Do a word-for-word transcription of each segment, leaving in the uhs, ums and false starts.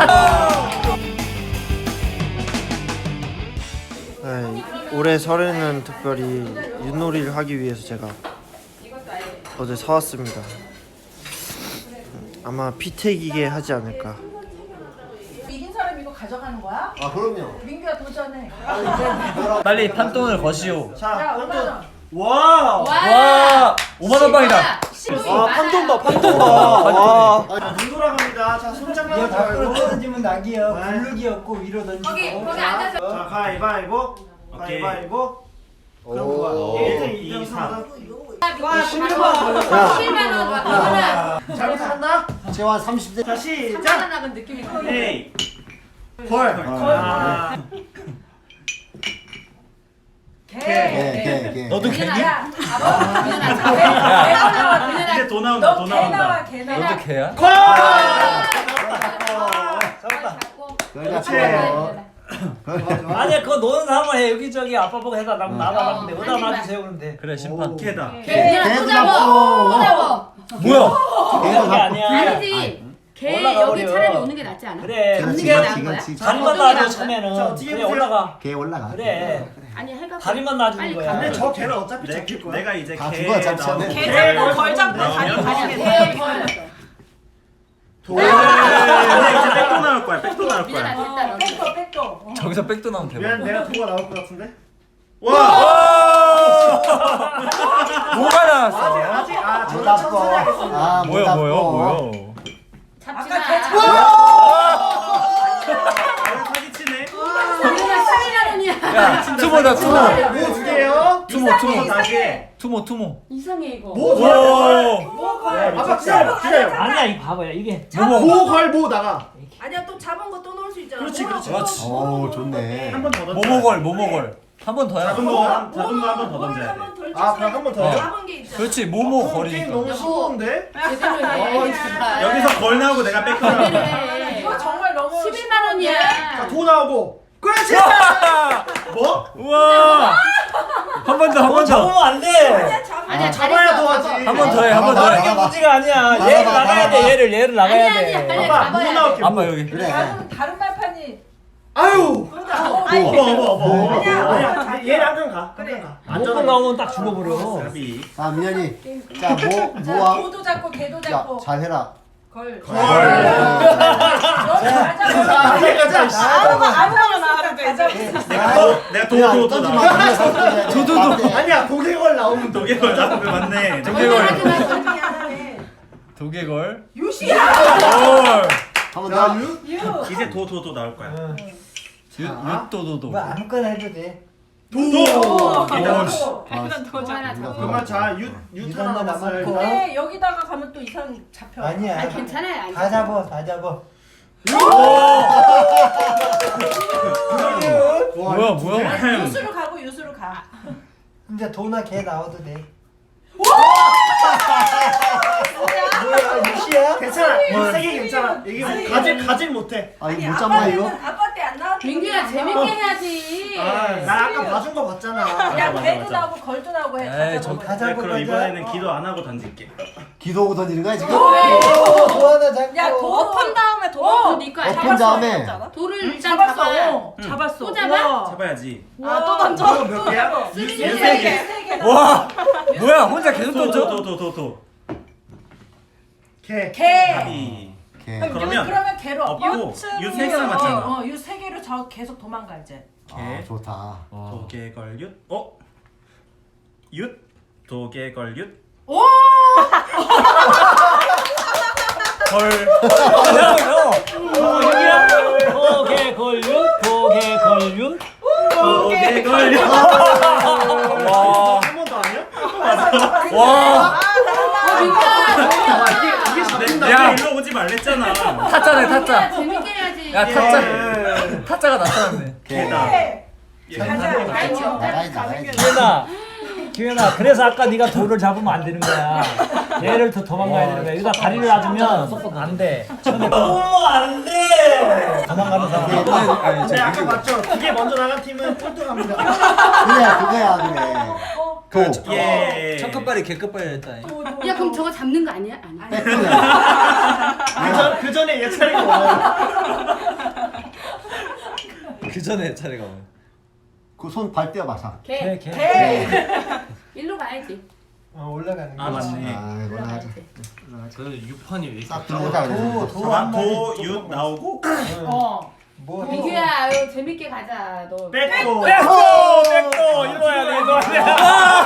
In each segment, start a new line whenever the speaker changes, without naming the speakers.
네, 올해 설에는 특별히 윷놀이를 하기 위해서 제가 어제 사왔습니다. 아마 피태기게 하지 않을까.
이긴 사람 이거 가져가는 거야?
아 그럼요.
민규야 도전해.
빨리 판돈을 거시오.
자, 오만 원.
와!
와, 오만 원 방이다.
아, 판돈 봐, 판돈 봐. 와. 눈 돌아갑니다. 자, 손장난 하지 말고.
던지면 낙이요. 굴르기였고 위로 던지고.
거기 거기 앉아서.
자, 가위바위보. 가위바위보. 그럼 뭐야? 일 등, 이 등, 삼 등.
와, 십만 원. 십만 원 와.
잘못한다?
제가 삼십 대.
자,
삼만
시작.
원 나간 느낌이 나.
에이. 걸. 아.
개.
개, 개.
너도 개니?
야, 아빠. 민현아, 자, 개 나와. 민현아.
이제 도 나온다, 도
너 개
나온다.
나와, 개 나와.
너도 개야?
그렇지.
아니야 그거 노는 사람만 해. 여기저기 아빠 보고 해다 나 나와 근데 어디다 놔주세요 그러면 돼.
그래 심판.
개다.
민현아, 또 잡어. 또 잡어.
뭐야?
개도
그게 아니야.
아니지. 걔
올라가
여기
버려.
차라리 오는 게 낫지 않아?
그래.
잡는
그렇지,
게
그렇지,
나은 거야?
그렇지.
다리만
어떤 게
놔줘
나은 거야?
처음에는.
자, 어떻게
그래
해보세요?
올라가.
개 올라가.
그래.
아니 할까?
다리만 놔주는
빨리
거야.
근데 저 개는 어차피
내,
잡힐 거야.
내가 이제
다
개
죽어, 잡지
나오고
않네.
개 잡고 걸 잡고
나오면
다리
아니야.
다리.
걔 벌.
도. 근데 이제 백도 나올 거야. 백도 나올
민현아
거야.
됐다 너.
백도 백도.
저기서 백도 나오면 대박.
미안, 내가 도가 나올 것 같은데?
와!
뭐가 나왔어?
아직, 아,
못
저는 천천히
잡고.
하겠습니다.
아, 못
뭐야
잡고.
뭐야 뭐야?
잡지
아까 개
마.
잡아.
사기치네.
민현아 십만 원이야.
야 투모다 투모.
뭐두 개요?
투모 투모
다시 해.
투모 투모.
이상해 이거.
뭐,
오.
아빠 기다려, 기다려.
아니야 이 봐봐요 이게.
모, 걸, 모 나가.
아니야 또 잡은 거 또 넣을 수 있잖아.
그렇지, 그렇지.
그렇지.
오, 좋네.
한 번 더 던져.
모모걸 모모걸. 한 번 더야.
작은 거, 한- 작은 거 한 번 더 던져야 돼.
한번 덜
아, 그럼 한 번 더.
잡은 게 있잖아.
그렇지
게임
모모걸이니까.
너무 쉬운데?
제대로 해. 제발.
여기서 걸 나오고 내가 백
제대로
나오고.
해.
이거 정말 너무
십일만 원이야.
자, 도 나오고. 그렇지!
뭐?
우와. 한 번 더 한 번 더.
잡으면 안 돼.
아니야
잡아야
잘했어.
도하지.
한 번 더 해 한 번 더
다른 게
해.
문제가 아니야.
나가,
얘를
나가,
나가야
나가.
돼. 얘를 얘를 나가야
아니야 아니야
돼.
빨리
아빠,
잡아야
뭐
돼.
나올게.
아빠 여기.
그래.
다른 다른 말판이.
아유!
아니,
어머, 어머, 어머.
아니야.
아니야, 얘는 한칸 가. 한칸 가.
무조건 나오면 딱 죽어버려.
사비.
자, 민현이. 자, 모,
자,
모아.
도도 잡고 개도
야,
잡고.
잘해라.
걸.
걸.
잘 잡아.
여기까지.
아무거나 아무거나 나와도 돼.
내가 도, 내가 도, 도, 도
던지
나와.
마. 도도도.
아니야, 도개걸 나오면
두 개걸 나오면 맞네.
도개걸.
미안하네.
도개걸.
유시야.
걸.
한번
자,
더.
유.
유.
이제 도, 도, 도 나올 거야.
윷도도도.
뭐 아무거나 해도 돼.
도.
오.
일단
도.
뭐 하나 잡아.
그러면 자, 유, 유
이건
하나
너
남았어요.
남았고.
근데 여기다가 가면 또 이상 잡혀.
아니야.
아니 괜찮아요. 아니.
다 잡어 다 잡어.
와,
뭐야 뭐야?
유수로 가고 유수로 가.
이제 도나 개 나와도 돼.
뭐야?
유시야?
괜찮아. 세개 괜찮아. 이게
아니,
가질 가질 못해.
아,
아니
이거 못 잡나, 이거?
아빠는 아빠 때 안 나왔던
민규야
거
재밌게 해야지.
아, 나 아까 봐준 거 봤잖아.
야
맞아,
개도
맞아.
나오고 걸도 나오고 해.
에이,
다
저-
잡아봐.
다
네,
잡고
그럼
가자.
이번에는 기도 안 하고 던질게.
기도하고 던지는 거야, 지금?
도 하나 잡고.
야 도.
엎은 다음에
도.
네 거야.
엎은 다음에.
돌을
응,
일단
잡았어.
잡아.
어, 잡았어.
또 잡아?
잡아야지.
아또 던져.
이거 몇 개야?
쓰리
세
개.
개. 세 개.
와 뭐야 혼자 계속
도,
던져?
도, 도, 도, 도.
개.
개.
사비.
개.
그럼
그러면
유, 그러면 개로
없고 유세 개 남았잖아.
어, 어, 유세 개로 저 계속 도망가 이제.
아, 좋다.
도개걸 윷. 어? 윷. 도개걸 윷.
오!
걸.
어 여기야. 도개 걸륜 도개 걸륜.
도개걸 윷.
와.
한 번 더 아니야?
와.
이게 잡힌다.
야.
야, 일로 오지 말랬잖아.
타짜네 타짜.
재밌게 해야지.
야 타짜. 타짜가 나타났네.
개다.
개.
가자.
나가야지, 나가야지.
기현아, 기현아, 그래서 아까 네가 돌을 잡으면 안 되는 거야. 얘를 더 도망가야 되는 거야. 여기다 다리를 놔주면 속도 안 돼. 어, 안 돼. 도망가는 사람.
근데 아까 맞죠? 그게 먼저 나간 팀은 꼴등합니다.
그래, 그거야, 그래.
어,
도.
예.
첫 끝발이 개 끝발이 했다.
야 그럼 저거 잡는 거 아니야? 아니야.
그, 전, 그 전에 얘 차례가 와요.
그 전에 차례가 와.
그손 발 떼어봐 사.
개.
개, 개.
개.
일로 가야지.
어 올라가는 거.
아 맞네.
아 이거 하자.
그 육 판이 왜 이렇게
싹 들어오자 그래.
도윷 나오고
어.
뭐
민규야, 아유, 재밌게 가자. 너.
백도.
백도! 백도! 이거 해야 돼, 이거 해야 돼.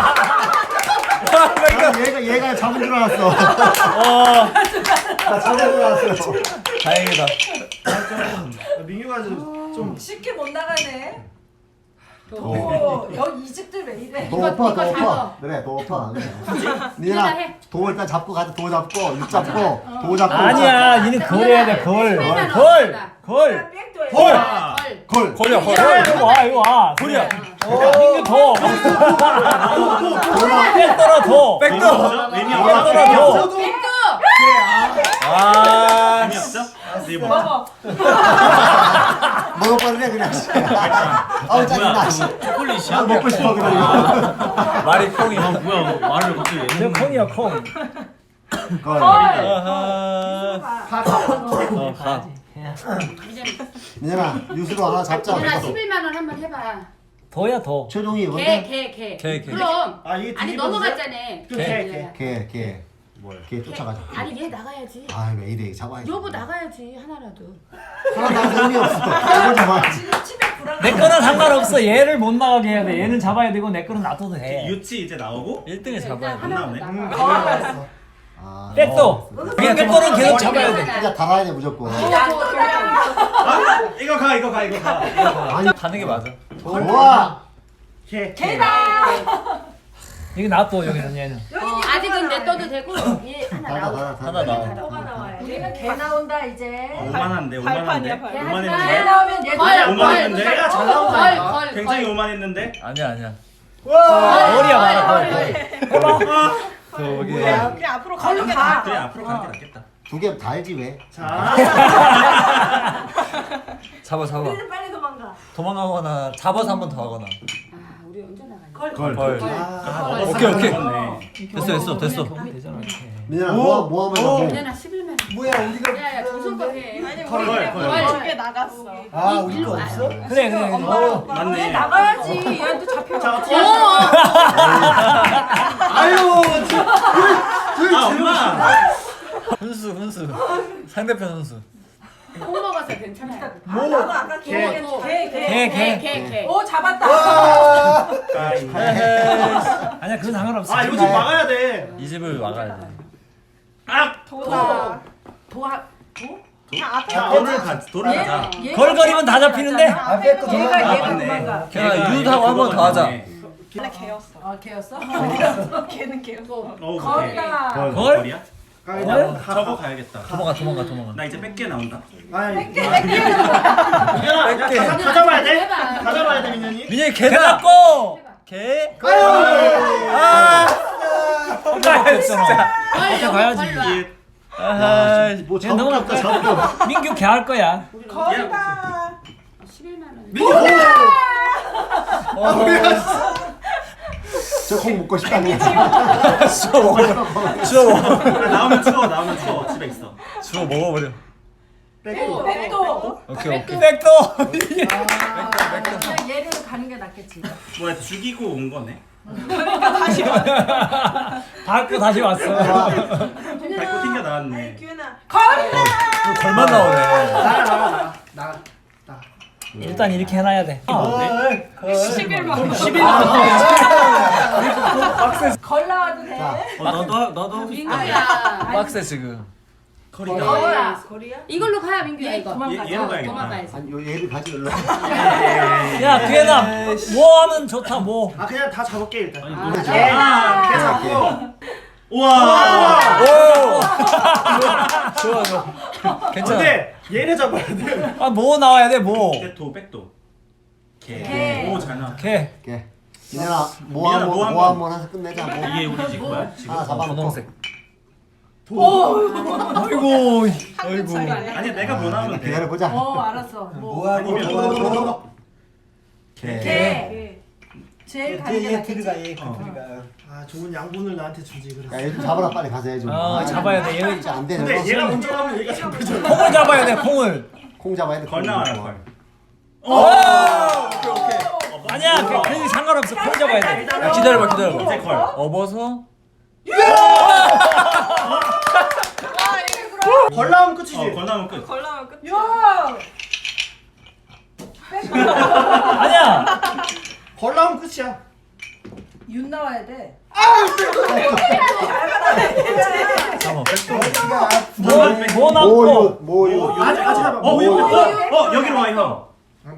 아, 얘가 얘가 잡은 줄 알았어.
어.
나 잡은 줄 알았어.
다행이다.
민규가 좀, 좀
쉽게 못 나가네.
도.
오, 여기 이 집들 왜 이래?
도
이거-
오빠
이거
도
잡아.
오빠. 그래 도 오빠.
민규가
니나
해.
도 일단 잡고 가자. 도 잡고 육 잡고 도 잡고.
아니야, 니는 걸 해야 돼, 걸.
십일만
걸!
원.
걸!
백도 해.
걸!
아, 걸.
걸.
걸려 걸.
걸! 이거 와, 이거 와.
걸이야.
민규 더. 백도라 더.
백도.
의미
백도라
없죠?
더.
백도.
아.
의미 없죠? 네 번.
먹어.
먹어버리네 그냥. 아우 짜증나.
초콜릿이야?
아, 먹고 싶어 그냥.
말이 콩이.
아 뭐야 말을 갑자기 왜
저 콩이야, 콩.
걸.
아하. 어, 가.
민현아 유수로 하나 잡자.
민준아 십일만 원 한번 해봐.
더야, 더.
최종이
개,
뭔데?
개, 개.
개, 개.
그럼.
아 이게
아니
뒤집어서
넘어갔잖아.
그 개, 개.
개 개. 뭐야? 개 쫓아가자.
아니 얘 나가야지.
아왜 이래 잡아야지.
여보 나가야지 하나라도.
하나 나서 의미 없어. 이걸 잡아야지.
집에 불안.
내 거는 상관없어. 얘를 못 나가게 해야 돼. 얘는 잡아야 되고 내 거는 놔둬도 돼.
유치 이제 나오고
일 등을 잡아야 돼.
하나라도
나오네.
나가.
아.
백도. 그냥 내 거는 계속 잡아야 돼.
진짜 달아야 돼 무조건.
야, 너
아 이거 가 이거 가 이거 가.
아니
가는 게 맞아.
좋아.
개.
개다.
여기 놔둬, 여기는 얘는.
어, 아직은 냅둬도 되고 얘 하나
달아
나오고.
달아
하나 나와.
뭐가 나와요? 얘가 개 나온다 이제.
오만한데 오만한데
개
오만했는데
하나.
나오면 얘
걸,
오만
걸,
했는데?
걸,
잘 나온다니까.
걸, 걸,
굉장히
걸.
오만했는데
아니야 아니야.
머리야, 말아,
걸,
걸.
걸.
저기.
그냥 앞으로 가는 게 나아.
그래 앞으로 가는 게 낫겠다.
두 개 다 알지 왜?
자.
잡아 잡아.
우리는 빨리 도망가.
도망가거나 잡아서 한 번 더 하거나.
아, 우리 언제 나가냐?
걸.
걸.
걸.
걸.
오케이 오케이.
좋네.
됐어 됐어 됐어.
되잖아, 이렇게.
민현아 뭐 뭐 하면 뭐?
민현아 십일만 원.
뭐야 우리가.
야, 야, 조선 해.
아니
걸,
우리
걸, 걸.
걸.
두개 나갔어.
아
이-
우리
일로
거
와.
없어?
그래, 그래. 그래. 어.
맞네.
나가야지. 얘한테 잡혀.
자 어떻게?
어.
아유.
아 엄마.
훈수 훈수. 상대편 훈수.
콩 먹어서 괜찮아.
아, 나도 아까
개.
개. 개. 개.
개, 개.
개, 개.
오 잡았다.
아.
아니야, 그건 상관없어.
아 이거 좀 막아야 돼.
이 집을 막아야 돼.
아
도다. 도하. 도? 자 앞에.
자 오늘 가 도를 가자.
걸거리면 다 잡히는데?
앞에 거 얘가
아,
얘가
맞네.
도망가.
걔가 유하고 한 번 더 하자.
걔는 개였어. 아 개였어? 걔는 개였어.
어
걸이다.
걸.
걸?
거리야?
걸?
저거 가야겠다.
도망가 도망가 도망가.
나 이제 백 개 나온다.
아이.
뺏게.
민현아
뺄게.
다, 다 잡아야 돼?
해봐.
다 잡아야 돼 민현이.
민현이
개
개다.
잡고!
개.
아!
아 진짜.
걸,
가야지.
걸 와.
아하.
뭐
얘 넘어갈까?
잡고
민규 개 할 거야.
걸이다.
십일만 원.
저콩 먹고 싶다니.
주워 먹어. 주워 먹어.
아, 나오면 추워 나오면 추워 집에 있어.
주워 먹어버려.
백도. 백도.
오케이 오케이.
백도!
그냥 얘를 가는 게 낫겠지.
뭐야 죽이고 온 거네.
밟고 다시 왔어.
밟고 튕겨 나왔네.
규현아. 걸이다.
걸만 나오네.
나가 나가 나가 나가.
일단 이렇게 해놔야 돼.
십일만 원. 걸 나와도 돼.
자,
어 너도 너도
민규야.
빡세 지금.
거리다.
거야.
거리야?
이걸로 가야 민규야 이거.
얘- 얘로 가야겠다.
도망가야지.
아니 요 얘를 가지 올라.
야, 뒤에다 뭐 하면 좋다, 뭐.
아 그냥 다 잡을게 일단.
아니,
아,
너무
개.
좋아.
개 잡고.
우와.
오. 좋아 좋아. 괜찮아.
근데 얘를 잡아야 돼.
아, 뭐 나와야 돼, 뭐.
백도 백도. 개.
개.
오잘 나와.
개.
개. 민현아
민현아,
뭐 한번
뭐
뭐
한번.
한번 해서 끝내자. 뭐.
이게 우리 집 거야 지금?
하나 잡아놓고.
분홍색.
아이고, 아이고.
아니 내가 뭐 나오면 돼.
기다려 보자.
어 알았어. 뭐.
뭐하고
아니면
뭐하고.
개.
개. 제일
얘,
가는 게
얘
낫겠지?
들어가 얘
어.
들어가.
아 좋은 양분을 나한테 주지 그래서.
야얘 좀 잡아라 빨리 가서 해 좀.
어,
아,
잡아야 돼. 얘
진짜 안 되는
근데
거.
얘가 먼저 가면 얘가 잡혀져.
콩을 잡아야 돼. 콩을.
콩 잡아야 돼.
걸
콩
나와요
잡아.
걸.
오! 오케이 오케이.
아니야. 그 괜히 상관없어. 콩 잡아야 돼.
야, 기다려봐 기다려봐.
이제 걸.
업어서.
벌 나오면 끝이지.
어, 걸 나오면 끝.
걸라면 끝.
야!
아니야.
벌 나오면 끝이야.
윤 나와야 돼.
잠깐만 백도.
뭐, 뭐 남고.
모유 모유
아직 아직 해봐.
어,
모유.
어, 어, 여기로 와 형.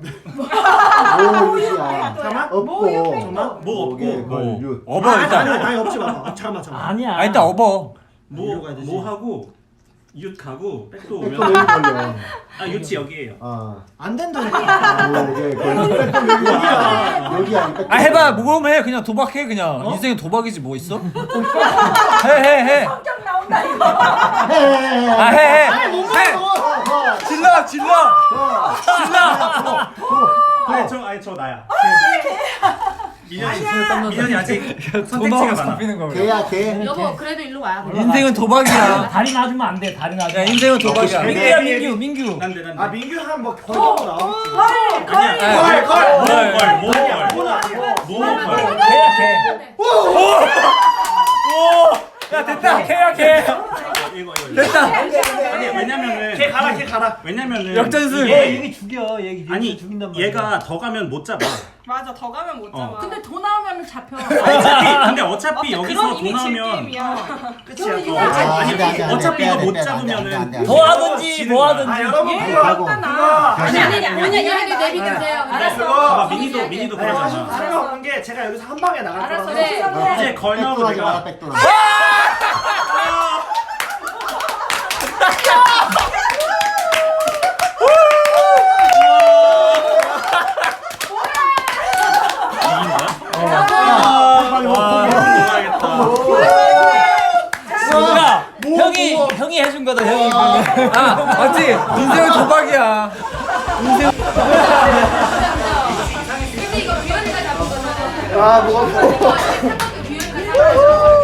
모유야.
잠깐만.
없고.
잠깐만.
뭐 없고.
걸 윷.
업어
아니,
일단.
아니 아니 없지 마. 잠깐만 잠깐만.
아니야.
아 일단 업어.
뭐,
여기로 가야 되지.
뭐 하고 윷 가고 백도
백도
오면
여기 걸려.
아 윷이 여기에요.
어.
안 된다니까.
모유 걸려. 백도 여기야. 여기야. 백도.
아 해봐 모험해 그냥 도박해 그냥 인생은 도박이지 뭐 있어? 해해해
성격 나온다 이거.
해해해.
아 해해
해.
질러 질러
아니 저 아니 저 나야. 민현이 민현이 아직 선택지가 많아.
거야
개야 개.
여보 그래도 일로 와.
인생은 도박이야
다리 놔주면 안 돼. 다리 놔주면.
야 인생은 도박이야
민규야 민규 민규.
난데 난데.
아 민규 한뭐 걸고 나오겠지.
아니야.
걸, 걸.
걸, 뭐
아니야,
걸.
그건 아니고.
뭐 걸.
개야 개.
야 됐다 개야 개
이거 이거.
됐다
아니 왜냐면은
걔 가라 걔 가라.
왜냐면은
역전승.
얘
이게
얘기 죽여. 얘기
아니
죽인단 말이야.
얘가 더 가면 못 잡아.
맞아, 더 가면 못 잡아.
어.
근데 돈 나오면 잡혀.
어차피 근데 어차피
맞아,
여기서
그런
돈
이미 질
나오면
게임이야.
끝이야.
이거
그거.
아,
아니,
안 돼, 안 돼, 안 돼.
어차피
빼야
이거
돼,
못
빼야 돼, 안 돼,
잡으면은
안 돼, 안 돼.
뭐 하든지
지는
뭐
거야.
하든지.
아 여러분
얘
그거
하고.
일단
그거
나와.
아니 아니 아니 아니 얘기 내비두세요.
알았어.
봐봐 민희도 민희도
아니 하실
그러잖아.
필요 없는 게 제가 여기서 한 방에 나갈
알았어.
거라서.
네.
이제 걸 나오고
백도하지 마라
내가
백도.
빨리 와.
야 형이 형이 해준 거다 형이.
아 맞지 인생은 도박이야
근데 이거 규현이가 잡은 거잖아.
아 뭐가.
규현이가 잡은 거.